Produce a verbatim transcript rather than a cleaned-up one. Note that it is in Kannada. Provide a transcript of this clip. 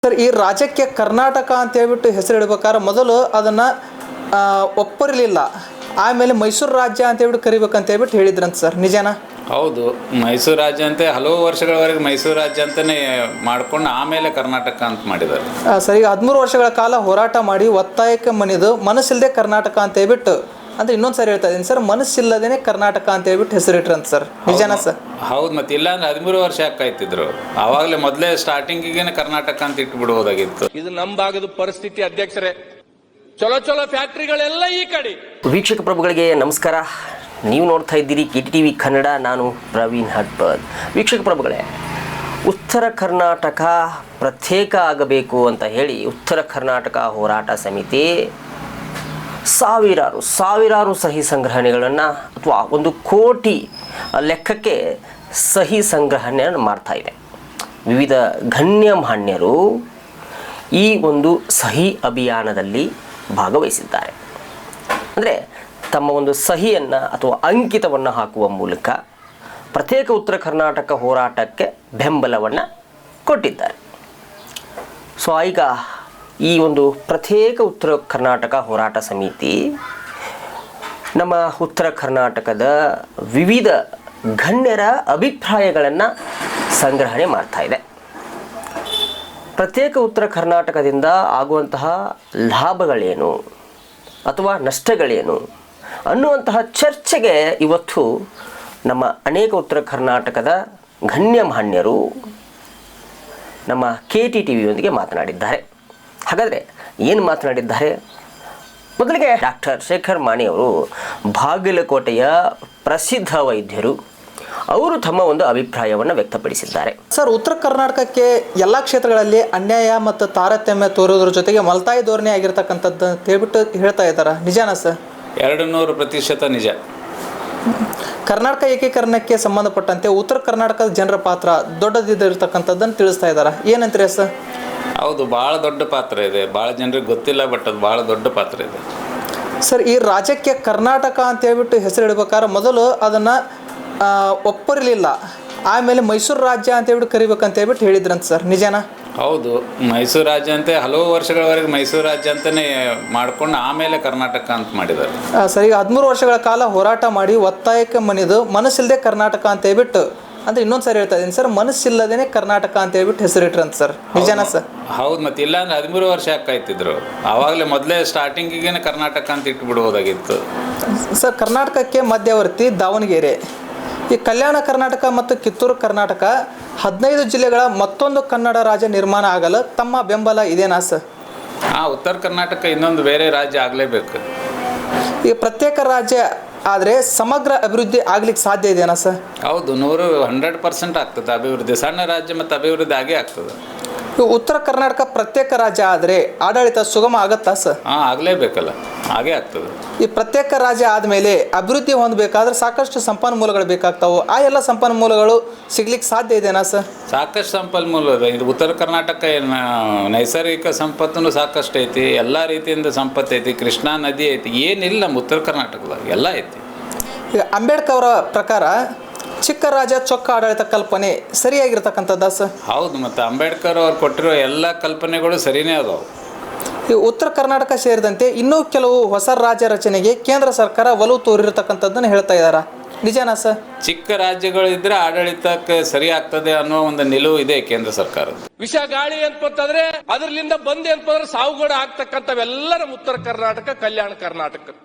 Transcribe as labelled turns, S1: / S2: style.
S1: ಸರ್, ಈ ರಾಜ್ಯಕ್ಕೆ ಕರ್ನಾಟಕ ಅಂತ ಹೇಳ್ಬಿಟ್ಟು ಹೆಸರು ಇಡಬೇಕಾದ್ರೆ ಮೊದಲು ಅದನ್ನು ಒಪ್ಪರಿಲಿಲ್ಲ. ಆಮೇಲೆ ಮೈಸೂರು ರಾಜ್ಯ ಅಂತ ಹೇಳ್ಬಿಟ್ಟು ಕರಿಬೇಕಂತ ಹೇಳ್ಬಿಟ್ಟು ಹೇಳಿದ್ರಂತ ಸರ್, ನಿಜನಾ?
S2: ಹೌದು, ಮೈಸೂರು ರಾಜ್ಯ ಅಂತ ಹಲವು ವರ್ಷಗಳವರೆಗೆ ಮೈಸೂರು ರಾಜ್ಯ ಅಂತಲೇ ಮಾಡ್ಕೊಂಡು ಆಮೇಲೆ ಕರ್ನಾಟಕ ಅಂತ ಮಾಡಿದ್ದಾರೆ.
S1: ಸರ್, ಈಗ ಹದಿಮೂರು ವರ್ಷಗಳ ಕಾಲ ಹೋರಾಟ ಮಾಡಿ ಒತ್ತಾಯಕ್ಕೆ ಮಣಿದು ಮನಸ್ಸಿಲ್ಲದೆ ಕರ್ನಾಟಕ ಅಂತ ಹೇಳ್ಬಿಟ್ಟು ಅಂದ್ರೆ ಇನ್ನೊಂದು ಸರಿ ಹೇಳ್ತಾ ಇದ್ದೀನಿ ಸರ್, ಮನಸ್ಸಿಲ್ಲದೇನೆ ಕರ್ನಾಟಕ ಅಂತ ಹೇಳ್ಬಿಟ್ಟು ಹೆಸರಿಟ್ರಂತ ಸರ್, ನಿಜನಾ ಸರ್?
S2: ಹೌದು, ಮತ್ತೆ ಇಲ್ಲ ಅಂದ್ರೆ ಹದಿಮೂರು ವರ್ಷ ಯಾಕಾಯ್ತಿದ್ರು. ಆವಾಗಲೇ ಮೊದಲೇ ಸ್ಟಾರ್ಟಿಂಗಿಗೆ ಕರ್ನಾಟಕ ಅಂತ ಇಟ್ಬಿಡ್ಬೋದಾಗಿತ್ತು.
S3: ಇದು ನಮ್ಮ ಭಾಗದ ಪರಿಸ್ಥಿತಿ ಅಧ್ಯಕ್ಷರೇ. ಚಲೋ ಚಲೋ ಫ್ಯಾಕ್ಟ್ರಿಗಳೆಲ್ಲ ಈ ಕಡೆ.
S4: ವೀಕ್ಷಕ ಪ್ರಭುಗಳಿಗೆ ನಮಸ್ಕಾರ. ನೀವು ನೋಡ್ತಾ ಇದ್ದೀರಿ ಕೆ ಟಿ ವಿ ಕನ್ನಡ. ನಾನು ಪ್ರವೀಣ್ ಹಟ್ಪದ್. ವೀಕ್ಷಕ ಪ್ರಭುಗಳೇ, ಉತ್ತರ ಕರ್ನಾಟಕ ಪ್ರತ್ಯೇಕ ಆಗಬೇಕು ಅಂತ ಹೇಳಿ ಉತ್ತರ ಕರ್ನಾಟಕ ಹೋರಾಟ ಸಮಿತಿ ಸಾವಿರಾರು ಸಾವಿರಾರು ಸಹಿ ಸಂಗ್ರಹಣೆಗಳನ್ನು ಅಥವಾ ಒಂದು ಕೋಟಿ ಲೆಕ್ಕಕ್ಕೆ ಸಹಿ ಸಂಗ್ರಹಣೆಯನ್ನು ಮಾಡ್ತಾ ಇದೆ. ವಿವಿಧ ಗಣ್ಯಮಾನ್ಯರು ಈ ಒಂದು ಸಹಿ ಅಭಿಯಾನದಲ್ಲಿ ಭಾಗವಹಿಸಿದ್ದಾರೆ. ಅಂದರೆ ತಮ್ಮ ಒಂದು ಸಹಿಯನ್ನು ಅಥವಾ ಅಂಕಿತವನ್ನು ಹಾಕುವ ಮೂಲಕ ಪ್ರತ್ಯೇಕ ಉತ್ತರ ಕರ್ನಾಟಕ ಹೋರಾಟಕ್ಕೆ ಬೆಂಬಲವನ್ನು ಕೊಟ್ಟಿದ್ದಾರೆ. ಸೊ ಈಗ ಈ ಒಂದು ಪ್ರತ್ಯೇಕ ಉತ್ತರ ಕರ್ನಾಟಕ ಹೋರಾಟ ಸಮಿತಿ ನಮ್ಮ ಉತ್ತರ ಕರ್ನಾಟಕದ ವಿವಿಧ ಗಣ್ಯರ ಅಭಿಪ್ರಾಯಗಳನ್ನು ಸಂಗ್ರಹಣೆ ಮಾಡ್ತಾ ಇದೆ. ಪ್ರತ್ಯೇಕ ಉತ್ತರ ಕರ್ನಾಟಕದಿಂದ ಆಗುವಂತಹ ಲಾಭಗಳೇನು ಅಥವಾ ನಷ್ಟಗಳೇನು ಅನ್ನುವಂತಹ ಚರ್ಚೆಗೆ ಇವತ್ತು ನಮ್ಮ ಅನೇಕ ಉತ್ತರ ಕರ್ನಾಟಕದ ಗಣ್ಯಮಾನ್ಯರು ನಮ್ಮ ಕೆ ಟಿ ಟಿ ವಿಯೊಂದಿಗೆ ಮಾತನಾಡಿದ್ದಾರೆ. ಹಾಗಾದರೆ ಏನು ಮಾತನಾಡಿದ್ದಾರೆ? ಮೊದಲಿಗೆ ಡಾಕ್ಟರ್ ಶೇಖರ್ ಮಾಣಿ ಅವರು ಬಾಗಲಕೋಟೆಯ ಪ್ರಸಿದ್ಧ ವೈದ್ಯರು. ಅವರು ತಮ್ಮ ಒಂದು ಅಭಿಪ್ರಾಯವನ್ನು ವ್ಯಕ್ತಪಡಿಸಿದ್ದಾರೆ.
S1: ಸರ್, ಉತ್ತರ ಕರ್ನಾಟಕಕ್ಕೆ ಎಲ್ಲ ಕ್ಷೇತ್ರಗಳಲ್ಲಿ ಅನ್ಯಾಯ ಮತ್ತು ತಾರತಮ್ಯ ತೋರೋದ್ರ ಜೊತೆಗೆ ಮಲ್ತಾಯಿ ಧೋರಣೆ ಆಗಿರ್ತಕ್ಕಂಥದ್ದು ಅಂತ ಹೇಳ್ಬಿಟ್ಟು ಹೇಳ್ತಾ ಇದ್ದಾರೆ, ನಿಜಾನಾ ಸರ್?
S2: ಎರಡು ನೂರು ಪ್ರತಿಶತ ನಿಜ.
S1: ಕರ್ನಾಟಕ ಏಕೀಕರಣಕ್ಕೆ ಸಂಬಂಧಪಟ್ಟಂತೆ ಉತ್ತರ ಕರ್ನಾಟಕದ ಜನರ ಪಾತ್ರ ದೊಡ್ಡದಿರ್ತಕ್ಕಂಥದ್ದನ್ನು ತಿಳಿಸ್ತಾ ಇದ್ದಾರೆ. ಏನಂತೀರಿ ಸರ್?
S2: ಹೌದು, ಭಾಳ ದೊಡ್ಡ ಪಾತ್ರ ಇದೆ. ಭಾಳ ಜನರಿಗೆ ಗೊತ್ತಿಲ್ಲ, ಬಟ್ ಅದು ಭಾಳ ದೊಡ್ಡ ಪಾತ್ರ ಇದೆ.
S1: ಸರ್, ಈ ರಾಜ್ಯಕ್ಕೆ ಕರ್ನಾಟಕ ಅಂತ ಹೇಳ್ಬಿಟ್ಟು ಹೆಸರು ಇಡಬೇಕಾದ್ರೆ ಮೊದಲು ಅದನ್ನು ಒಪ್ಪರಿಲಿಲ್ಲ. ಆಮೇಲೆ ಮೈಸೂರು ರಾಜ್ಯ ಅಂತ ಹೇಳ್ಬಿಟ್ಟು ಕರಿಬೇಕಂತ ಹೇಳ್ಬಿಟ್ಟು ಹೇಳಿದ್ರಂತ ಸರ್, ನಿಜನಾ?
S2: ಹೌದು, ಮೈಸೂರು ರಾಜ್ಯ ಅಂತ ಹಲವು ವರ್ಷಗಳವರೆಗೆ ಮೈಸೂರು ರಾಜ್ಯ ಅಂತಲೇ ಮಾಡ್ಕೊಂಡು ಆಮೇಲೆ ಕರ್ನಾಟಕ ಅಂತ ಮಾಡಿದ್ದಾರೆ.
S1: ಸರ್, ಈಗ ಹದಿಮೂರು ವರ್ಷಗಳ ಕಾಲ ಹೋರಾಟ ಮಾಡಿ ಒತ್ತಾಯಕ್ಕೆ ಮಣಿದು ಮನಸ್ಸಿಲ್ಲದೆ ಕರ್ನಾಟಕ ಅಂತ ಹೇಳ್ಬಿಟ್ಟು ಅಂದ್ರೆ ಇನ್ನೊಂದು ಸರಿ ಹೇಳ್ತಾ ಇದ್ದೀನಿ ಸರ್, ಮನಸ್ಸಿಲ್ಲದೇನೆ ಕರ್ನಾಟಕ ಅಂತ ಹೇಳ್ಬಿಟ್ಟು ಹೆಸರಿಟ್ರಂತ ಸರ್, ನಿಜನಾ ಸರ್?
S2: ಹೌದು, ಮತ್ತೆ ಇಲ್ಲ ಅಂದ್ರೆ ಹದಿಮೂರು ವರ್ಷ ಯಾಕಾಯ್ತಿದ್ರು. ಆವಾಗಲೇ ಮೊದಲೇ ಸ್ಟಾರ್ಟಿಂಗಿಗೆ ಕರ್ನಾಟಕ ಅಂತ ಇಟ್ಬಿಡ್ಬೋದಾಗಿತ್ತು.
S1: ಸರ್, ಕರ್ನಾಟಕಕ್ಕೆ ಮಧ್ಯವರ್ತಿ ದಾವಣಗೆರೆ. ಈ ಕಲ್ಯಾಣ ಕರ್ನಾಟಕ ಮತ್ತು ಕಿತ್ತೂರು ಕರ್ನಾಟಕ ಹದಿನೈದು ಜಿಲ್ಲೆಗಳ ಮತ್ತೊಂದು ಕನ್ನಡ ರಾಜ್ಯ ನಿರ್ಮಾಣ ಆಗಲು ತಮ್ಮ ಬೆಂಬಲ ಇದೆನಾ ಸರ್?
S2: ಹಾಂ, ಉತ್ತರ ಕರ್ನಾಟಕ ಇನ್ನೊಂದು ಬೇರೆ ರಾಜ್ಯ ಆಗಲೇಬೇಕು.
S1: ಈ ಪ್ರತ್ಯೇಕ ರಾಜ್ಯ ಆದರೆ ಸಮಗ್ರ ಅಭಿವೃದ್ಧಿ ಆಗ್ಲಿಕ್ಕೆ ಸಾಧ್ಯ ಇದೆಯಾ ಸರ್?
S2: ಹೌದು, ನೂರು ಹಂಡ್ರೆಡ್ ಪರ್ಸೆಂಟ್ ಆಗ್ತದೆ ಅಭಿವೃದ್ಧಿ. ಸಣ್ಣ ರಾಜ್ಯ ಮತ್ತು ಅಭಿವೃದ್ಧಿ ಆಗೇ ಆಗ್ತದೆ.
S1: ಉತ್ತರ ಕರ್ನಾಟಕ ಪ್ರತ್ಯೇಕ ರಾಜ್ಯ ಆದರೆ ಆಡಳಿತ ಸುಗಮ ಆಗತ್ತಾ ಸರ್?
S2: ಹಾಂ, ಆಗಲೇಬೇಕಲ್ಲ, ಹಾಗೇ ಆಗ್ತದೆ.
S1: ಈ ಪ್ರತ್ಯೇಕ ರಾಜ್ಯ ಆದಮೇಲೆ ಅಭಿವೃದ್ಧಿ ಹೊಂದಬೇಕಾದ್ರೆ ಸಾಕಷ್ಟು ಸಂಪನ್ಮೂಲಗಳು ಬೇಕಾಗ್ತಾವೆ. ಆ ಎಲ್ಲ ಸಂಪನ್ಮೂಲಗಳು ಸಿಗ್ಲಿಕ್ಕೆ ಸಾಧ್ಯ ಇದೆನಾ ಸರ್?
S2: ಸಾಕಷ್ಟು ಸಂಪನ್ಮೂಲ ಇದೆ. ಇದು ಉತ್ತರ ಕರ್ನಾಟಕ ಏನು ನೈಸರ್ಗಿಕ ಸಂಪತ್ತು ಸಾಕಷ್ಟು ಐತಿ. ಎಲ್ಲ ರೀತಿಯಿಂದ ಸಂಪತ್ತು ಐತಿ. ಕೃಷ್ಣಾ ನದಿ ಐತಿ. ಏನಿಲ್ಲ ನಮ್ಮ ಉತ್ತರ ಕರ್ನಾಟಕದಾಗ ಎಲ್ಲ ಐತಿ.
S1: ಈಗ ಅಂಬೇಡ್ಕರ್ ಅವರ ಪ್ರಕಾರ ಚಿಕ್ಕ ರಾಜ್ಯ ಚೊಕ್ಕ ಆಡಳಿತ ಕಲ್ಪನೆ ಸರಿಯಾಗಿರ್ತಕ್ಕಂಥದ್ದು ಸರ್?
S2: ಹೌದು, ಮತ್ತು ಅಂಬೇಡ್ಕರ್ ಅವ್ರು ಕೊಟ್ಟಿರೋ ಎಲ್ಲ ಕಲ್ಪನೆಗಳು ಸರಿಯೇ ಅದಾವೆ.
S1: ಈ ಉತ್ತರ ಕರ್ನಾಟಕ ಸೇರಿದಂತೆ ಇನ್ನೂ ಕೆಲವು ಹೊಸ ರಾಜ್ಯ ರಚನೆಗೆ ಕೇಂದ್ರ ಸರ್ಕಾರ ಒಲವು ತೋರಿರತಕ್ಕಂಥದ್ದನ್ನು ಹೇಳ್ತಾ ಇದ್ದಾರೆ, ನಿಜನಾ ಸರ್?
S2: ಚಿಕ್ಕ ರಾಜ್ಯಗಳು ಇದ್ರೆ ಆಡಳಿತಕ್ಕೆ ಸರಿ ಆಗ್ತದೆ ಅನ್ನೋ ಒಂದು ನಿಲುವು ಇದೆ ಕೇಂದ್ರ ಸರ್ಕಾರದ.
S3: ವಿಷ ಗಾಳಿ ಅಂತಂದ್ರೆ ಅದರಿಂದ ಬಂದೆ ಅಂತಂದ್ರೆ ಸಾವುಗಡೆ ಆಗ್ತಕ್ಕಂಥವೆಲ್ಲ ನಮ್ಮ ಉತ್ತರ ಕರ್ನಾಟಕ, ಕಲ್ಯಾಣ ಕರ್ನಾಟಕ.